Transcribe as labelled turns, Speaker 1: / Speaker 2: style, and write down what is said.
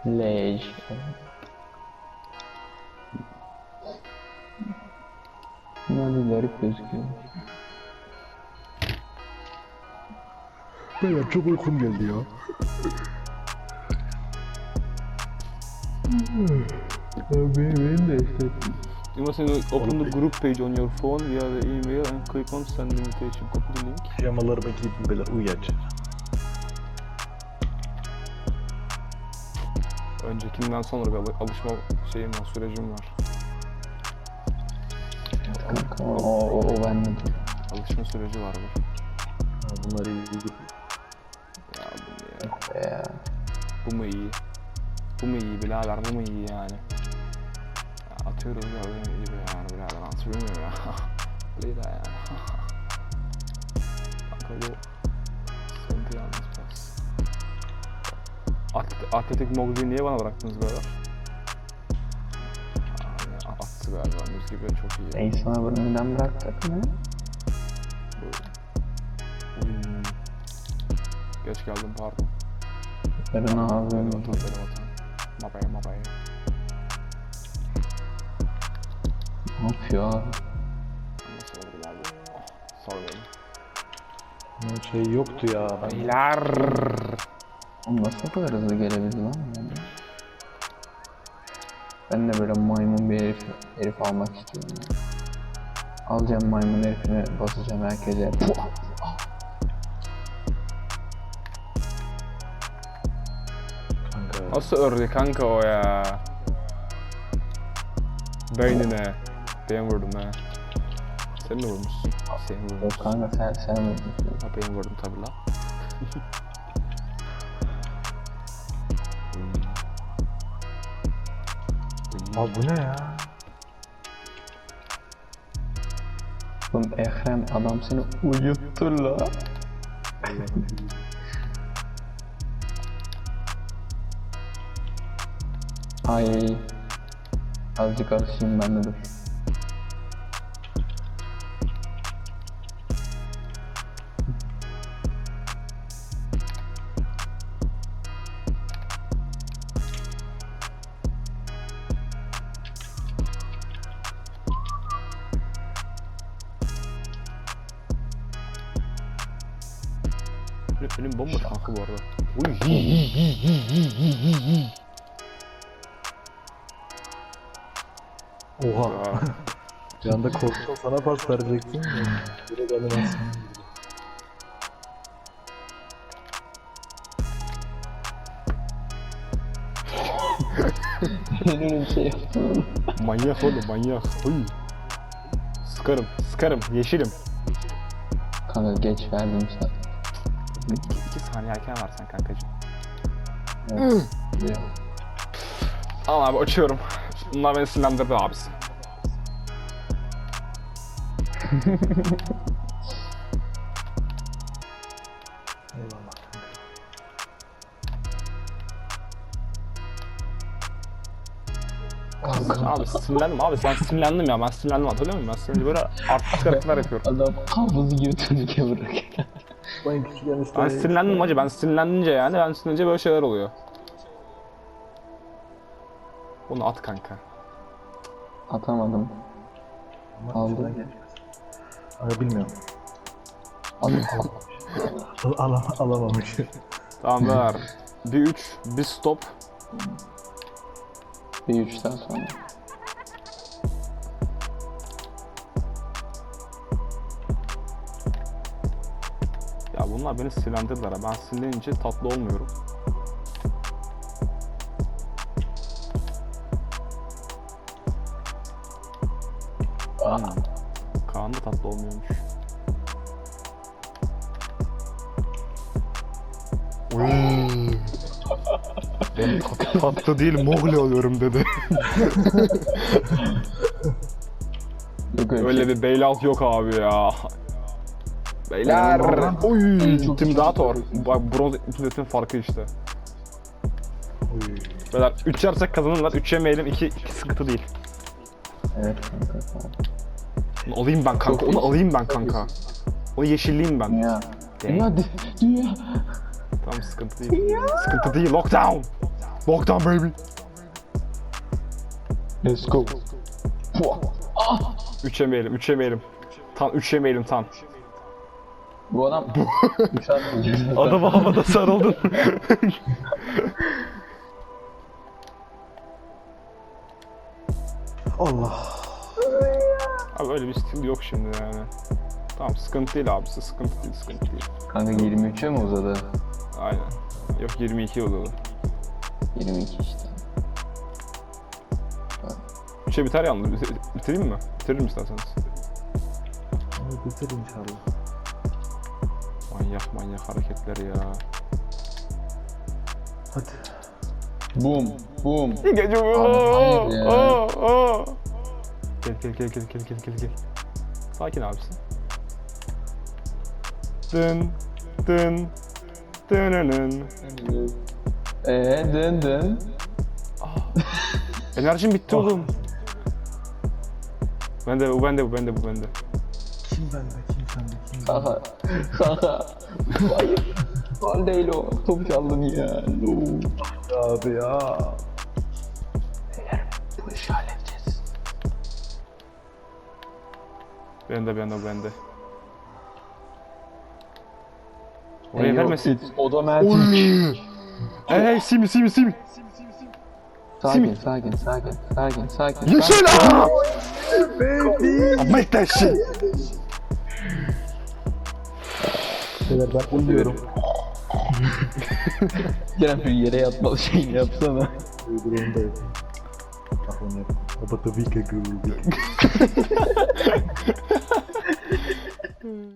Speaker 1: Lej. Bunlar bir garip gözüküyor.
Speaker 2: Beyler çok uykum geldi ya.
Speaker 1: Benim de işte.
Speaker 3: You must open the group page on your phone via the email and click on send invitation. Copy the link.
Speaker 2: Pijamalarıma giydim beyler uyuyacağım.
Speaker 3: Öncekinden sonra bir alışma şeyim var, sürecim var.
Speaker 1: Kanka o bende de.
Speaker 3: Alışma süreci var bu.
Speaker 2: Bunlar iyi değil.
Speaker 3: Ya bu ne ya?
Speaker 1: Ya.
Speaker 3: Bu mu iyi? Bu mu iyi birader? Bu mu iyi yani? Ya atıyorum ya öyle iyi be yani birader atıyorum ya. Lira yani. Kanka bu sıkıntı yalnız biraz. Atletik Moglu'yu niye bana bıraktınız beyler? Yani attı galiba müzik gibi çok iyi.
Speaker 1: Ben sana bunu neden bıraktık mı?
Speaker 3: Geç geldim pardon.
Speaker 1: Yarın
Speaker 3: Benim
Speaker 1: ağzım.
Speaker 3: vatan, benim vatan. Mabaya.
Speaker 1: Ne yapıyor abi?
Speaker 3: Nasıl oldu abi? Sağ olun.
Speaker 2: Şey yoktu ya.
Speaker 3: Beyler.
Speaker 1: Oğlum nasıl bu kadar hızlı gelebildi lan? Ben de böyle maymun bir herif almak istiyorum. Ya. Alacağım maymun herifini basacağım herkese.
Speaker 2: Kanka.
Speaker 3: Nasıl ördü kanka o ya? Beynine. Ben vurdum ha. Sen mi vurmuşsun? Sen
Speaker 1: Yok
Speaker 3: vurmuşsun.
Speaker 1: kanka sen mi?
Speaker 3: Ha ben vurdum tabi la.
Speaker 2: Abi bu ne ya?
Speaker 1: Oğlum Ekrem adam seni uyuttu la. Ay. Azıcık alışayım ben de dur.
Speaker 3: Benim bomboş kanka bu arada. Uy.
Speaker 2: Oha.
Speaker 3: Ya.
Speaker 2: Bir anda korktum sana pas verecektim. Direkt animasyon.
Speaker 1: Benim şey yaptım.
Speaker 3: Manyak oğlum manyak. Uy. Sıkarım. Yeşilim.
Speaker 1: Kanka geç verdim sana.
Speaker 3: 2 saniye erken versen kankacığım.
Speaker 1: Evet. Ya.
Speaker 3: Tamam abi açıyorum. Bunlar beni sinirlendirdi abisi.
Speaker 2: Eyvallah kanka.
Speaker 1: Kanka
Speaker 3: Abi sinirlendim abi ben sinirlendim ya ben sinirlendim hatırlıyor musun? Ben sinirlendim böyle artistik hareketler yapıyorum.
Speaker 1: adam hafızı gibi turnike bırakıyor.
Speaker 2: Ben küçükken işte...
Speaker 3: Ben sinirlendim hacı ben sinirlenince yani ben sinirlenince böyle şeyler oluyor. Bunu at kanka.
Speaker 1: Atamadım. Aldım.
Speaker 2: Abi bilmiyorum.
Speaker 1: Aldım.
Speaker 2: Alamamış.
Speaker 3: Tamam ver. Bir 3, bir stop.
Speaker 1: Bir 3 saat sonra.
Speaker 3: Ya bunlar beni sinirlendirdiler ha. Ben sinirlenince tatlı olmuyorum. Kaan da tatlı olmuyormuş. Ben tatlı değil Mogli oluyorum dedi.
Speaker 1: Yok
Speaker 3: Öyle bir bailout yok abi ya. Beyler. Oy, intimidator. Bak bronz intimidator'ın farkı işte. Beyler 3 yersek kazanırlar. 3 yemeyelim 2 sıkıntı değil.
Speaker 1: Evet kanka.
Speaker 3: Onu alayım ben kanka. Onu alayım ben kanka. Onu yeşilleyim ben.
Speaker 1: Dünya.
Speaker 3: Dang.
Speaker 1: Dünya. Dünya.
Speaker 3: Tamam sıkıntı değil. Sıkıntı değil. Lockdown. Boktan baby.
Speaker 1: Let's go.
Speaker 3: Üçemeyelim. Tam üçemeyelim tam.
Speaker 1: Bu adam
Speaker 3: Adama havada sarıldın.
Speaker 2: Allah.
Speaker 3: Abi öyle bir stil yok şimdi yani. Tamam sıkıntı değil abisi, sıkıntı değil.
Speaker 1: kanka 23'e mi uzadı?
Speaker 3: Aynen. Yok 22 oldu.
Speaker 1: 22 işte.
Speaker 3: 3'e biter yalnız. Bitireyim mi? Bitiririm isterseniz.
Speaker 2: Hadi bitir inşallah.
Speaker 3: Manyak hareketler ya.
Speaker 2: Hadi.
Speaker 1: Boom.
Speaker 3: Gece
Speaker 1: hayır ya.
Speaker 3: Gel. Sakin abisi. Dın. Dınının.
Speaker 1: Dın.
Speaker 3: Enerjim bitti oğlum. Bende bu.
Speaker 2: Kim bende? Kim sende? Kim bende?
Speaker 1: Kanka. Hayır. Gol değil o. Top çaldın ya. No.
Speaker 2: Abi ya.
Speaker 1: Bu işi halledeceğiz.
Speaker 3: Bende. Oraya vermesin.
Speaker 1: Otomatik.
Speaker 3: Hey Simi.
Speaker 1: Sakin.
Speaker 3: Yeşil aaa! Make that shit!
Speaker 2: Beyler ben uyuyorum.
Speaker 1: Kerem şu yere yatmalı şeyini yapsana.
Speaker 2: Uygulamadayım. Bak onu yap. About a week ago.